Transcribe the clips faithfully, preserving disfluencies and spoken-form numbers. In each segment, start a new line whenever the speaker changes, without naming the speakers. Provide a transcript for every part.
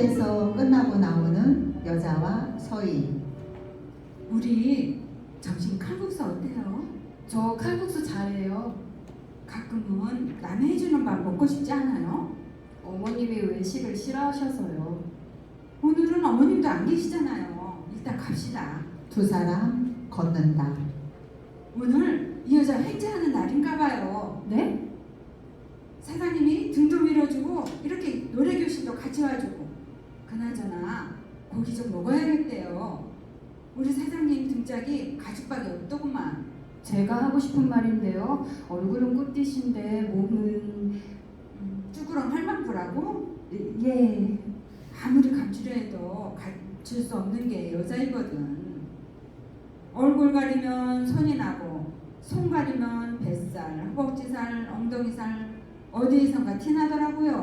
식당에서 끝나고 나오는 여자와 서희.
우리 점심 칼국수 어때요?
저 칼국수 잘해요.
가끔은 남이 해주는 밥 먹고 싶지 않아요?
어머님이 외식을 싫어하셔서요.
오늘은 어머님도 안 계시잖아요. 일단 갑시다.
두 사람 걷는다.
오늘 이 여자 횡재하는 날인가 봐요.
네?
사장님이 등도 밀어주고 이렇게 노래교실도 같이 와주고, 그나저나 고기 좀 먹어야겠대요. 우리 사장님 등짝이 가죽밖에 없더구만.
제가 하고 싶은 말인데요. 얼굴은 꽃띠신데 몸은
음, 쭈그렁 할망구라고?
예.
아무리 감추려 해도 감출 수 없는 게 여자이거든. 얼굴 가리면 손이 나고, 손 가리면 뱃살, 허벅지살, 엉덩이살 어디에선가 티나더라고요.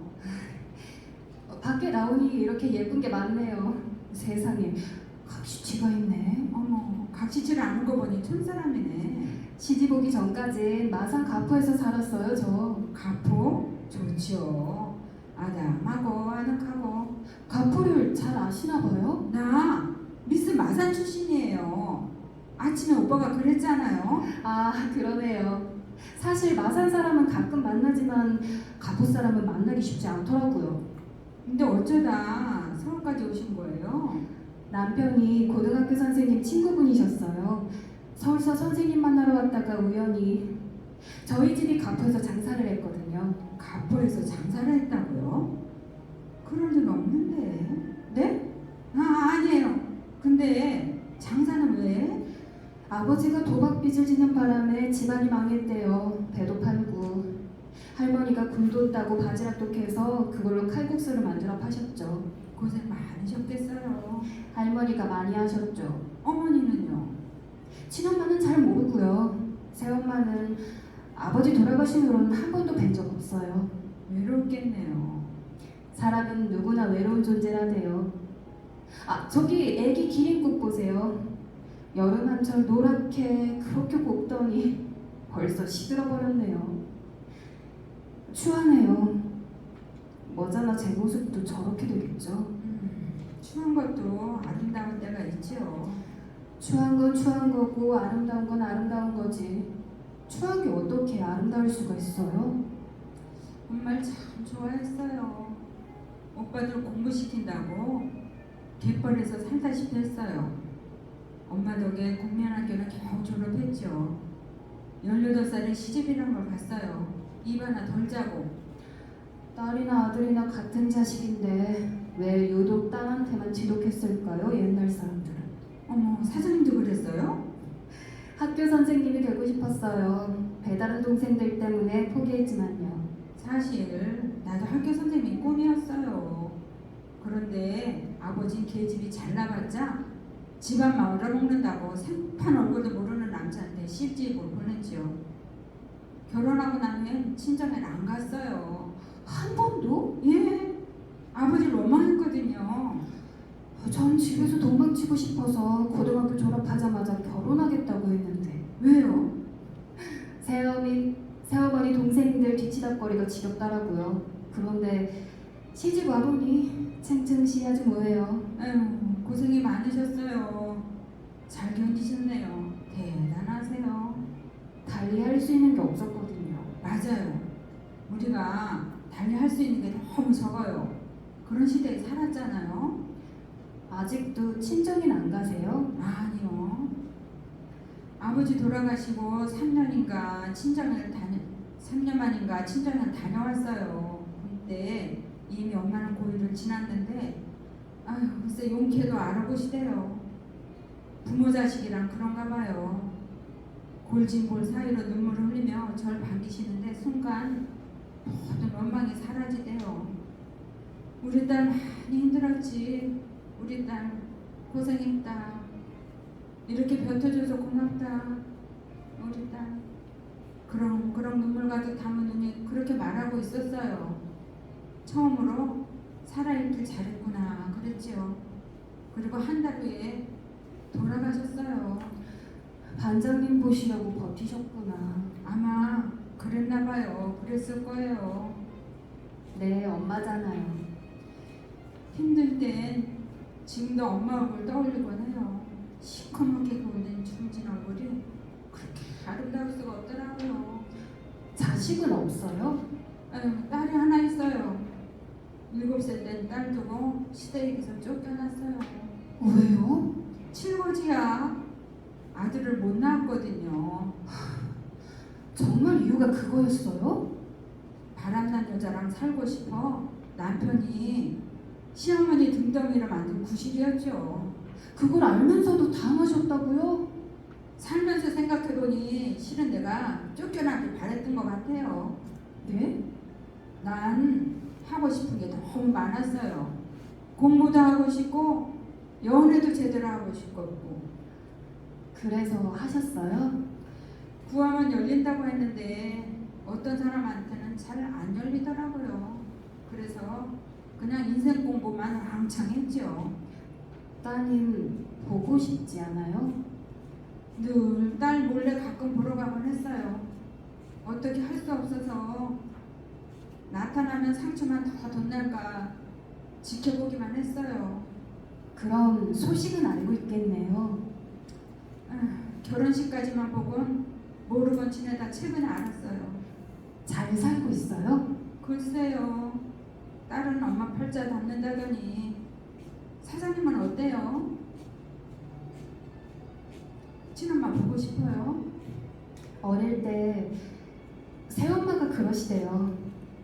어, 밖에 나오니 이렇게 예쁜 게 많네요. 세상에 각시치가 있네.
어머, 각시치를 아는 거 보니 촌사람이네.
시집 오기 전까지 마산 가포에서 살았어요. 저
가포? 좋지요. 아담하고 아늑하고.
가포를 잘 아시나 봐요?
나 미스 마산 출신이에요. 아침에 오빠가 그랬잖아요.
아, 그러네요. 사실 마산 사람은 가끔 만나지만 가포 사람은 만나기 쉽지 않더라고요.
근데 어쩌다 서울까지 오신 거예요?
남편이 고등학교 선생님 친구분이셨어요. 서울서 선생님 만나러 갔다가 우연히 저희 집이 가포에서 장사를 했거든요.
가포에서 장사를 했다고요? 그럴 리가 없는데.
네?
아, 아니에요. 근데 장사는 왜?
아버지가 도박빚을 지는 바람에 집안이 망했대요. 배도 팔고. 할머니가 굴도 따고 바지락도 캐서 그걸로 칼국수를 만들어 파셨죠.
고생 많으셨겠어요.
할머니가 많이 하셨죠.
어머니는요?
친엄마는 잘 모르고요. 새엄마는 아버지 돌아가신 후로는 한 번도 뵌 적 없어요.
외롭겠네요.
사람은 누구나 외로운 존재라대요. 아, 저기 애기 기린국 보세요. 여름 한철 노랗게 그렇게 곱더니 벌써 시들어 버렸네요. 추하네요. 머자나 제 모습도 저렇게 되겠죠.
음, 추운 것도 아름다운 때가 있지요.
추한 건 추한 거고 아름다운 건 아름다운 거지. 추한 게 어떻게 아름다울 수가 있어요?
정말 참 좋아했어요. 오빠들 공부시킨다고 갯벌에서 살다시피 했어요. 엄마 덕에 국민학교는 겨우 졸업했죠. 열여덟 살에 시집이란 걸 갔어요. 입 하나 덜 자고.
딸이나 아들이나 같은 자식인데 왜 유독 딸한테만 지독했을까요? 옛날 사람들은.
어머, 사장님도 그랬어요?
학교 선생님이 되고 싶었어요. 배다른 동생들 때문에 포기했지만요.
사실 나도 학교 선생님이 꿈이었어요. 그런데 아버진 계집이 잘나봤자 집안 말아먹는다고 생판 얼굴도 모르는 남자한테 시집을 보냈지요. 결혼하고 난 후엔 친정에 안 갔어요.
한 번도?
예, 아버지를 원망했거든요.
전 집에서 도망치고 싶어서 고등학교 졸업하자마자 결혼하겠다고 했는데
왜요?
새어머니, 새어머니 동생들 뒤치다거리가 지겹더라고요. 그런데 시집 와보니 층층시야지 뭐예요.
에휴, 고생이 많으셨어요. 잘 견디셨네요. 대단하세요.
달리 할 수 있는 게 없었거든요.
맞아요. 우리가 달리 할 수 있는 게 너무 적어요. 그런 시대에 살았잖아요.
아직도 친정인 안 가세요?
아니요. 아버지 돌아가시고 삼 년인가 친정을 다녀 삼 년 만인가 친정을 다녀왔어요. 그때 이미 엄마는 고일을 지났는데, 아유, 글쎄 용케도 알아보시대요. 부모 자식이랑 그런가 봐요. 골진골 사이로 눈물을 흘리며 절 반기시는데 순간 모든 원망이 사라지대요. 우리 딸 많이 힘들었지. 우리 딸 고생했다. 이렇게 벼텨줘서 고맙다. 우리 딸. 그럼 그런 눈물 가득 담은 눈이 그렇게 말하고 있었어요. 처음으로 살아있길 잘했구나 그랬지요. 그리고 한 달 후에 돌아가셨어요.
반장님 보시려고 버티셨구나.
아마 그랬나 봐요. 그랬을 거예요.
네, 엄마잖아요.
힘들 땐 지금도 엄마 얼굴 떠올리곤 해요. 시커멓게 보이는 중진 얼굴이 그렇게 아름다울 수가 없더라고요.
자식은 없어요?
아유, 딸이 하나 있어요. 일곱 살 된 딸 두고 시댁에서 쫓겨났어요.
왜요?
칠거지야. 아들을 못 낳았거든요.
정말 이유가 그거였어요?
바람난 여자랑 살고 싶어 남편이 시어머니 등덩이를 만든 구실이었죠.
그걸 알면서도 당하셨다고요?
살면서 생각해보니 실은 내가 쫓겨나길 바랬던 것 같아요.
네?
난 하고 싶은 게 너무 많았어요. 공부도 하고 싶고 연애도 제대로 하고 싶었고.
그래서 하셨어요?
구하면 열린다고 했는데 어떤 사람한테는 잘 안 열리더라고요. 그래서 그냥 인생 공부만 왕창 했죠.
따님 보고 싶지 않아요?
늘 딸 몰래 가끔 보러 가곤 했어요. 어떻게 할 수 없어서 나타나면 상처만 더 덧날까 지켜보기만 했어요.
그럼 소식은 알고 있겠네요.
아, 결혼식까지만 보곤 모르곤 지내다 최근에 알았어요.
잘 살고 있어요?
글쎄요. 딸은 엄마 팔자 닮는다더니 사장님은 어때요? 친엄마 보고 싶어요?
어릴 때 새엄마가 그러시대요.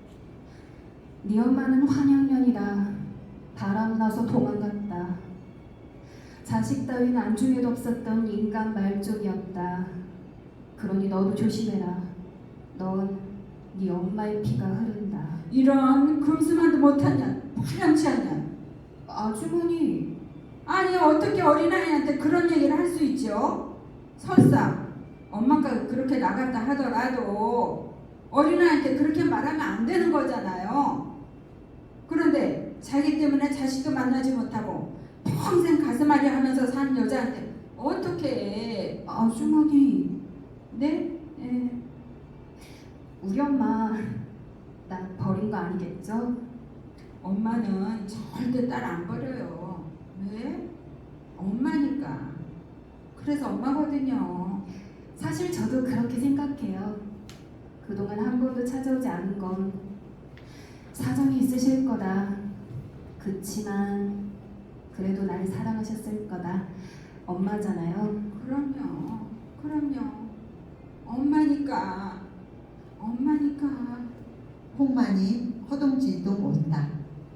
네 엄마는 환양년이라 바람 나서 도망갔다. 자식 따윈 안중에도 없었던 인간 말종이었다. 그러니 너도 조심해라. 넌 네 엄마의 피가 흐른다.
이런 금수만도 못한 년, 파렴치 않냐?
아주머니,
아니 어떻게 어린아이한테 그런 얘기를 할 수 있죠? 설사 엄마가 그렇게 나갔다 하더라도 어린아이한테 그렇게 말하면 안 되는 거잖아요. 그런데 자기 때문에 자식도 만나지 못하고 평생 가슴앓이 하면서 산 여자한테 어떻게
아주머니,
네? 예.
우리 엄마 나 버린 거 아니겠죠?
엄마는 절대 딸 안 버려요. 왜? 엄마니까. 그래서 엄마거든요.
사실 저도 그렇게 생각해요. 그동안 한 번도 찾아오지 않은 건 사정이 있으실 거다. 그치만 그래도 날 사랑하셨을 거다. 엄마잖아요.
그럼요. 그럼요. 엄마니까. 엄마니까.
홍마님 허둥지둥 온다.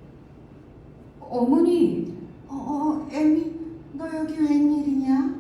어머니,
어, 어, 애미, 너 여기 웬일이냐?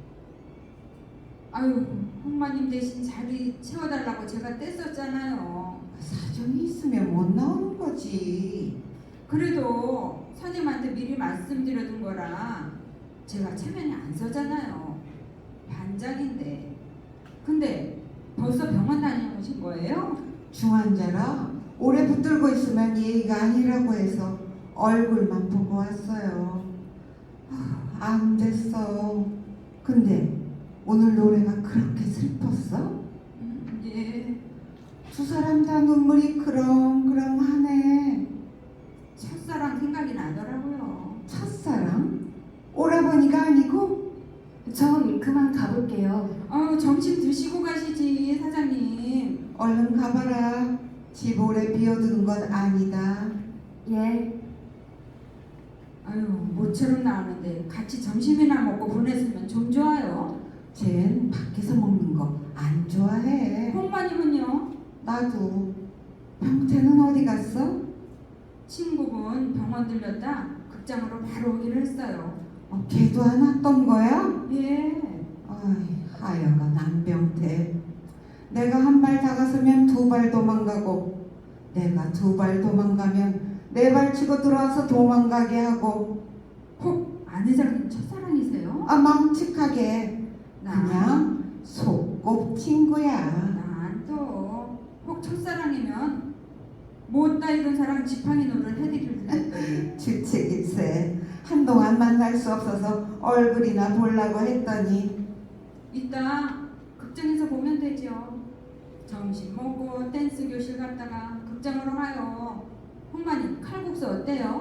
아유, 홍마님 대신 자리 채워달라고 제가 뗐었잖아요.
사정이 있으면 못 나오는 거지.
그래도 선임한테 미리 말씀드려둔 거라 제가 체면이 안 서잖아요. 반장인데. 근데 벌써 병원 다녀오신 거예요?
중환자라 오래 붙들고 있으면 예의가 아니라고 해서 얼굴만 보고 왔어요. 아, 안 됐어. 근데 오늘 노래가 그렇게 슬펐어?
음, 예.
두 사람 다 눈물이 그렁그렁하네.
첫사랑 생각이 나더라고요.
첫사랑? 오라버니가 아니고?
전 그만 가볼게요.
아유, 점심 드시고 가시지, 사장님.
얼른 가봐라. 집 오래 비워두는 건 아니다.
예,
아유, 모처럼 나오는데 같이 점심이나 먹고 보냈으면 좀 좋아요.
쟨 밖에서 먹는 거 안 좋아해.
홍마님은요?
나도. 병태는 어디 갔어?
친구분 병원 들렸다 극장으로 바로 오기로 했어요.
어, 걔도 안 왔던 거야?
예.
어이, 하여간 안병태. 내가 한 발 다가서면 두 발 도망가고, 내가 두 발 도망가면 네 발 치고 들어와서 도망가게 하고,
혹 아내사님 첫사랑이세요?
아, 망측하게
난,
그냥 속곱친구야.
난또혹 첫사랑이면 못다 이룬 사랑 지팡이 노를 해드릴 듯.
주책일세. 한동안 만날 수 없어서 얼굴이나 보려고 했더니
이따 극장에서 보면 되죠. 점심 먹고 댄스 교실 갔다가 극장으로 가요. 홍마님 칼국수 어때요?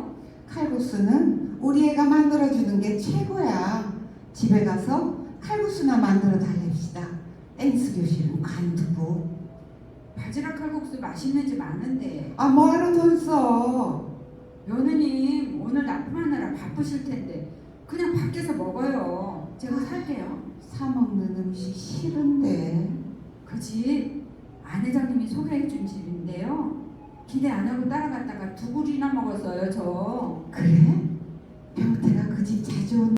칼국수는 우리 애가 만들어주는 게 최고야. 집에 가서 칼국수나 만들어 달랩시다. 댄스 교실은 관두고.
바지락 칼국수 맛있는 집 아는데.
아, 뭐하러 돈 써?
며느님 오늘 납품하느라 바쁘실 텐데 그냥 밖에서 먹어요. 제가 살게요.
사 먹는 음식 싫은데.
그 집 아내장님이 소개해 준 집인데요. 기대 안 하고 따라갔다가 두 그릇이나 먹었어요, 저.
그래? 병태가 그 집 자주 온